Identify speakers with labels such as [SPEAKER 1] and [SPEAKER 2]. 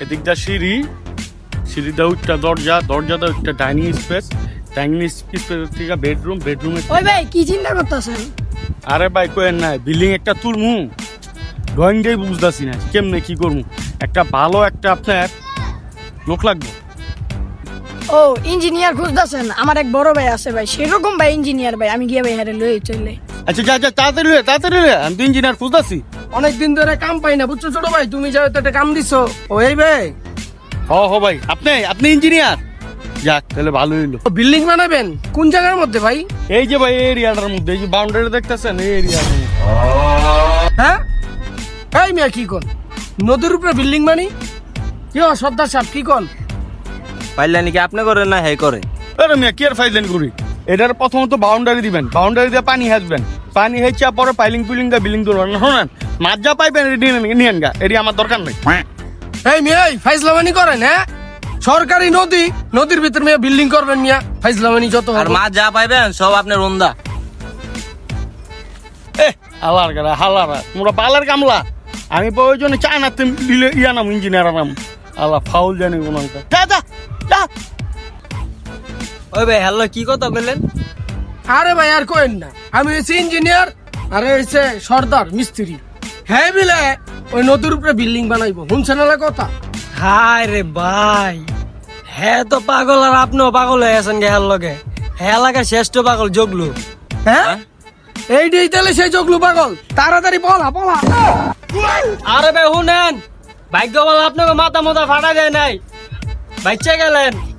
[SPEAKER 1] এদিকটা সিঁড়িটা একটা দরজাটা একটা ডাইনিং স্পেস থেকে বেডরুমে
[SPEAKER 2] ওই ভাই কি চিন্তা করতেছেন?
[SPEAKER 1] আরে ভাই কোয়েন নাই বিল্ডিং একটা তুলমু ড্রয়িং ডে বুঝতেছি না কেমনে কি করবো একটা ভালো একটা আপনার লোক লাগবে।
[SPEAKER 2] ও ইঞ্জিনিয়ার খুঁজতেছেন? আমার এক বড় ভাই আছে ভাই, সেরকম ভাই ইঞ্জিনিয়ার ভাই, আমি গিয়ে ভাই হারে লয়ে চলে।
[SPEAKER 1] আচ্ছা যা তাড়াতাড়ি রে আমি তো ইঞ্জিনিয়ার খুঁজতেছি।
[SPEAKER 3] অনেকদিন ধরে কাম পাই না, বুঝছো ছোট ভাই, তুমি যাও তো একটা কাম দিছো। ওই ভাই
[SPEAKER 1] হ ভাই আপনি ইঞ্জিনিয়ার, যাক তাহলে ভালো হইলো।
[SPEAKER 3] বিল্ডিং বানাবেন কোন জায়গার মধ্যে ভাই?
[SPEAKER 1] এই যে ভাই এরিয়াটার মধ্যে, এই যে বাউন্ডারি দেখতেছেন এই এরিয়ার মধ্যে।
[SPEAKER 3] হ্যাঁ এই মিয়া কি কোন নদীর উপরে বিল্ডিং বানি? কি সর্দার সাহেব কি কোন?
[SPEAKER 4] পাইলা নাকি আপনি করেন না হ্যাঁ করে?
[SPEAKER 1] আরে মিয়া কি আর ফাইলেন করি, এটার প্রথমত বাউন্ডারি দিবেন, বাউন্ডারি দিয়ে পানি হাসবেন, পানি হেঁচা পরে পাইলিং দা বিল্ডিং তুলবেন। শোনেন মাছ যা পাইবেন নিয়েন গা, এটি আমার দরকার নেই।
[SPEAKER 3] এই মিয়া ফাইজলামানি করেন? হ্যাঁ সরকারি নদীর ভিতর মিয়া বিল্ডিং করবেন মিয়া, ফাইজলামানি যত
[SPEAKER 4] আর মাছ যা পাইবেন সব আপনার রন্দা।
[SPEAKER 1] হালারা তোমরা পালার কামলা, আমি প্রয়োজনে চাই না তুমি নাম ইঞ্জিনিয়ার নাম আল্লাহ ফাউল জানি ওনাকে। যা
[SPEAKER 4] ওই ভাই হ্যালো কি কথা বললেন?
[SPEAKER 3] আরে ভাই আর কোয়েন না, আমি হয়েছি ইঞ্জিনিয়ার আরে হয়েছে সর্দার মিস্ত্রি। হ্যাঁ বিলে ওই নদীর উপরে বিল্ডিং বানাইবো, শুনছেন না কথা?
[SPEAKER 4] হায় রে ভাই, হ্যাঁ তো পাগল আর আপনিও পাগল হয়ে আছেন গে হ্যার লগে। হ্যাঁ এলাকার শ্রেষ্ঠ পাগল জগলু।
[SPEAKER 3] হ্যাঁ এইটাই তাহলে সেই জগলু পাগল, তাড়াতাড়ি পলা।
[SPEAKER 4] আরে ভাই শুনেন, ভাগ্য বল আপনাকে মাথা ফাটা দেয় নাই, বাচ্চা গেলেন।